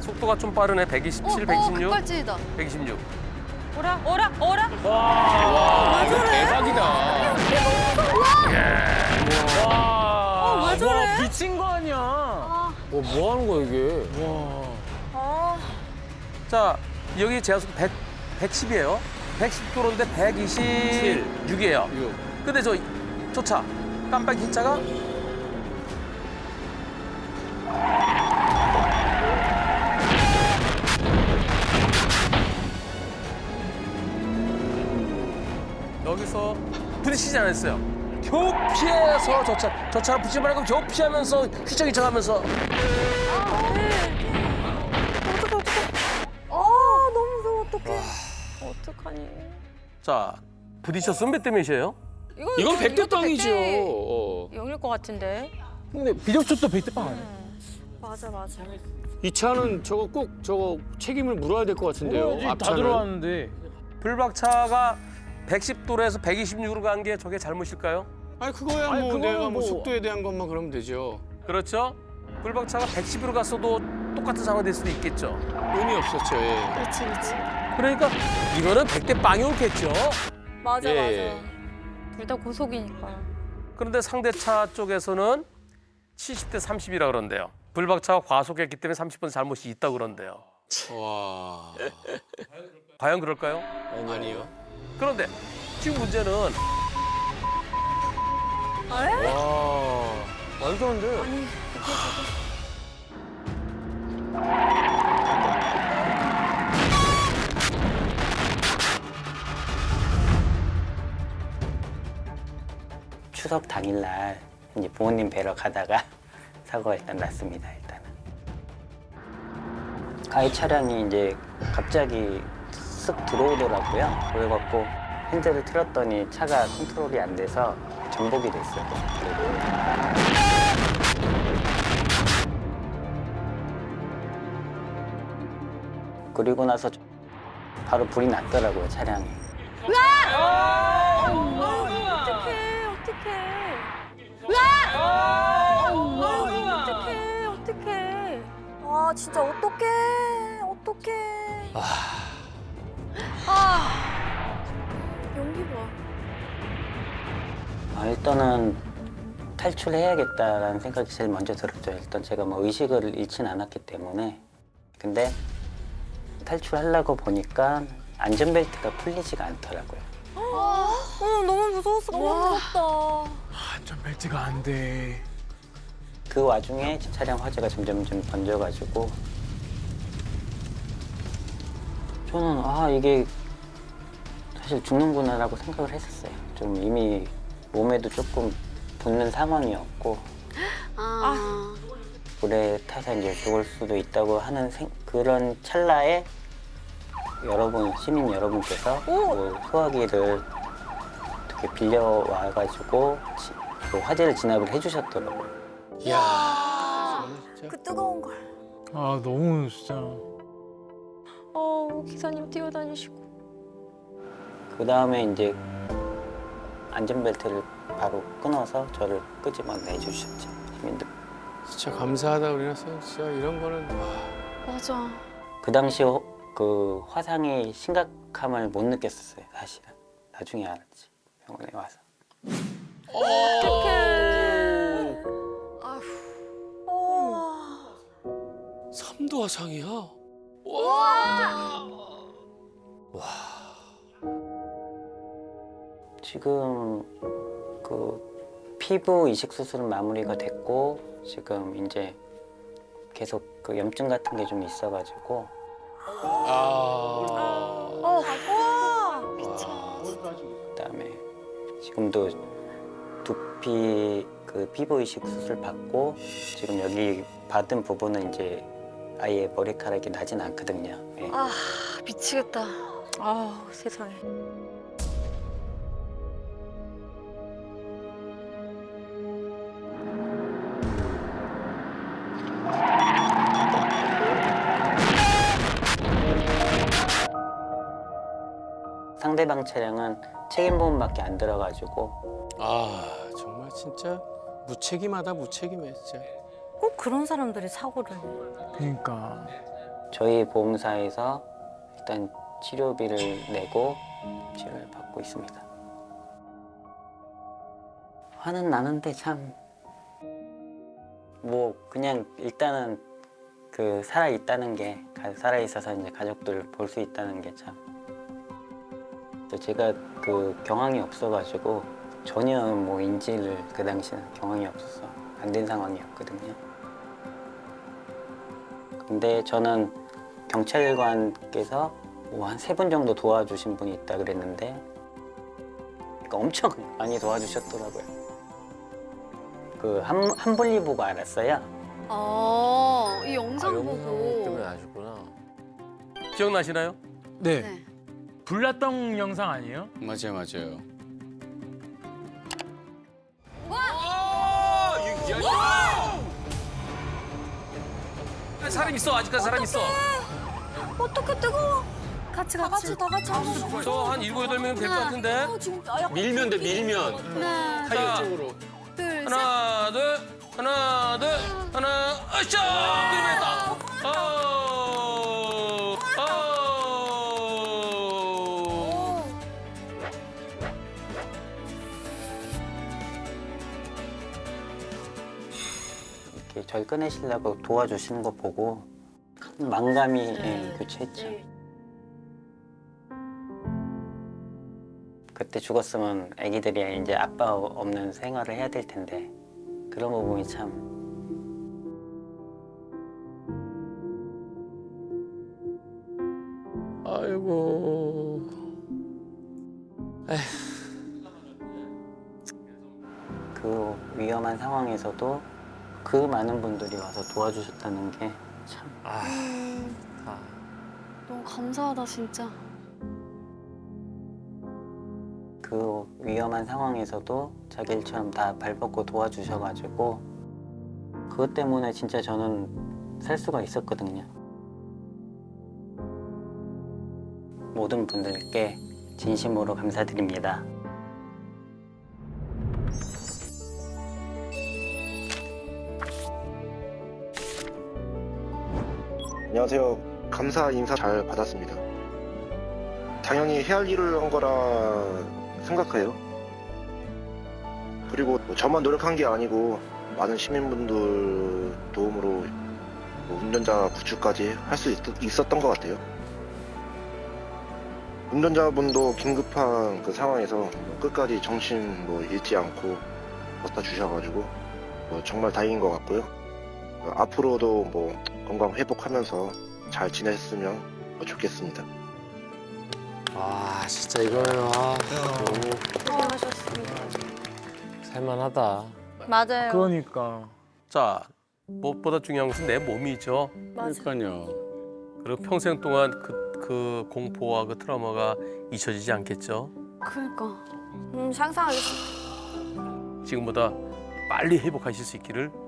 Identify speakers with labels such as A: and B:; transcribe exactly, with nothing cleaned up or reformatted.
A: 속도가 좀 빠르네. 백이십칠,
B: 어,
A: 백이십육,
B: 급발진이다.
A: 백이십육.
C: 오라 오라 오라.
D: 와, 이거 대박이다.
C: 어, 왜 저래?
D: 와, 미친 거 아니야. 와, 뭐 하는 거야, 이게? 와.
C: 어.
A: 자, 여기 제한속도 백, 백십이에요. 백십 도로인데 백이십육이에요.
D: 육.
A: 근데 저, 저 차, 깜빡이 흰 차가 여기서 부딪히지 않았어요. 겨우 피해서 저 차, 저 차랑 붙지 말고 겨우 피하면서 휘청휘청 하면서
C: 어떡해 어떡해. 아 너무 무서워 어떡해. 어떡하니.
A: 자, 부딪혔으면 몇 대 몇이에요?
C: 이거
D: 이건
C: 이것도
D: 백대 땅이죠.
C: 백대
D: 어.
C: 영일 것 같은데.
E: 근데 비정초도 백대빵 아니야?
C: 맞아 맞아.
D: 이 차는 저거 꼭 저거 책임을 물어야 될 것 같은데요.
E: 뭐지? 다
D: 앞차는.
E: 들어왔는데.
A: 불박차가 백십 도로에서 백이십육으로 간 게 저게 잘못일까요?
D: 아니 그거야
E: 아니,
D: 뭐
E: 그거는
D: 내가 뭐
E: 뭐-
D: 속도에 대한 것만 그러면 되죠.
A: 그렇죠? 불박차가 백십으로 갔어도 똑같은 상황이 될 수도 있겠죠.
D: 의미 없었죠. 예.
C: 그렇지 그렇지.
A: 그러니까 이거는 백 대 빵이 옳겠죠.
C: 맞아
D: 예.
C: 맞아. 둘 다 고속이니까.
A: 그런데 상대차 쪽에서는 칠십 대 삼십이라 그런데요. 불박차가 과속했기 때문에 삼십 번 잘못이 있다고 그런데요.
D: 와.
A: 과연 그럴까요?
D: 아니요.
A: 그런데 지금 문제는
D: 와.
E: 말도 안 돼.
F: 추석 당일날 이제 부모님 뵈러 가다가 사고가 일단 났습니다. 일단은 가해 차량이 이제 갑자기 쓱 들어오더라고요. 그래갖고 핸들을 틀었더니 차가 컨트롤이 안 돼서 전복이 됐어요. 그리고 그리고 나서 바로 불이 났더라고요, 차량이.
C: 어떡해 어떡해. 어떡해 어떡해.
B: 아 진짜 어떡해 어떡해. 아. 연기 봐.
F: 아, 일단은 탈출해야겠다라는 생각이 제일 먼저 들었죠. 일단 제가 뭐 의식을 잃진 않았기 때문에. 근데 탈출하려고 보니까 안전벨트가 풀리지가 않더라고요.
C: 어 너무 무서웠어.
B: 너무 무섭다.
E: 안전벨트가 안 돼.
F: 그 와중에 차량 화재가 점점 좀 번져가지고 저는 아 이게 사실 죽는구나라고 생각을 했었어요. 좀 이미 몸에도 조금 붓는 상황이었고
B: 아.
F: 불에 타서 이제 죽을 수도 있다고 하는 생, 그런 찰나에 여러분 시민 여러분께서 그 소화기를 어떻게 빌려와가지고 지- 그 화재를 진압을 해주셨더라고요.
D: 야.
B: 그 뜨거운 걸.
E: 아 너무 진짜.
C: 어 기사님 뛰어다니시고.
F: 그 다음에 이제 안전벨트를 바로 끊어서 저를 끄집어내 주셨죠 시민들.
D: 진짜 감사하다 그래서 진짜 이런 거는 와.
B: 맞아.
F: 그 당시 호- 그 화상의 심각함을 못 느꼈었어요 사실은. 나중에 알았지 병원에 와서.
C: 어떡해.
B: 아휴. 어.
D: 삼도 화상이야.
F: 지금 그 피부 이식 수술은 마무리가 됐고 지금 이제 계속 그 염증 같은 게 좀 있어가지고
D: 아.
B: 어. 와.
F: 그다음에 지금도 두피 그 피부 이식 수술 받고 지금 여기 받은 부분은 이제 아예 머리카락이 나진 않거든요. 예.
B: 아 미치겠다.
C: 아 세상에.
F: 상대방 차량은 책임보험밖에 안 들어가지고
D: 아 정말 진짜 무책임하다 무책임해 진짜.
C: 꼭 그런 사람들이 사고를.
E: 그러니까.
F: 저희 보험사에서 일단 치료비를 내고 치료를 받고 있습니다. 화는 나는데 참 뭐 그냥 일단은 그 살아 있다는 게 살아 있어서 이제 가족들 볼 수 있다는 게 참. 제가 그 경황이 없어가지고 전혀 뭐 인지를 그 당시는 경황이 없어서 안 된 상황이었거든요. 근데 저는 경찰관께서 뭐 한 세 분 정도 도와주신 분이 있다 그랬는데 그러니까 엄청 많이 도와주셨더라고요. 그 한, 한분리 보고 알았어요.
B: 아, 이
A: 아,
B: 영상
A: 영상
B: 보고.
A: 때문에 아셨구나. 기억나시나요?
E: 네.
B: 네.
E: 불났던 영상 아니에요?
G: 맞아요, 맞아요.
A: 아, 사람 있어. 아직까지 사람 있어.
C: 어떡해, 뜨거워.
B: 같이
C: 다
B: 같이.
C: 같이, 다 같이 하자.
A: 저 한 일곱 여덟 명 될 것 같은데.
C: 어, 지금 아, 약간
G: 밀면 돼, 밀면.
B: 하나,
G: 타이어 쪽으로.
B: 둘, 셋.
A: 하나, 둘, 하나, 둘, 하나, 으쌰! 그랬다. 어, 어.
F: 이렇게 절 꺼내시려고 도와주시는 거 보고 큰 망감이 예, 교체했죠. 그때 죽었으면 아기들이 이제 아빠 없는 생활을 해야 될 텐데 그런 부분이 참
D: 아이고.
F: 그 위험한 상황에서도 그 많은 분들이 와서 도와주셨다는 게 참
B: 너무 감사하다 진짜.
F: 그 위험한 상황에서도 자기 일처럼 다 발벗고 도와주셔가지고 그것 때문에 진짜 저는 살 수가 있었거든요. 모든 분들께 진심으로 감사드립니다.
H: 안녕하세요. 감사 인사 잘 받았습니다. 당연히 해야 할 일을 한 거라 생각해요. 그리고 뭐 저만 노력한 게 아니고 많은 시민분들 도움으로 뭐 운전자 구출까지 할 수 있었던 것 같아요. 운전자분도 긴급한 그 상황에서 끝까지 정신 뭐 잃지 않고 버텨 주셔가지고 뭐 정말 다행인 것 같고요. 어, 앞으로도 뭐 건강 회복하면서 잘 지냈으면 좋겠습니다.
D: 아, 진짜 이거는 아, 너무
C: 고생하셨습니다.
D: 살만하다.
C: 맞아요.
E: 그러니까.
A: 자, 무엇보다 중요한 것은 내 몸이죠.
G: 그러니까요.
A: 그리고 평생 동안 그, 그 공포와 그 트라우마가 잊혀지지 않겠죠.
B: 그러니까.
C: 음, 상상하겠습니다.
A: 지금보다 빨리 회복하실 수 있기를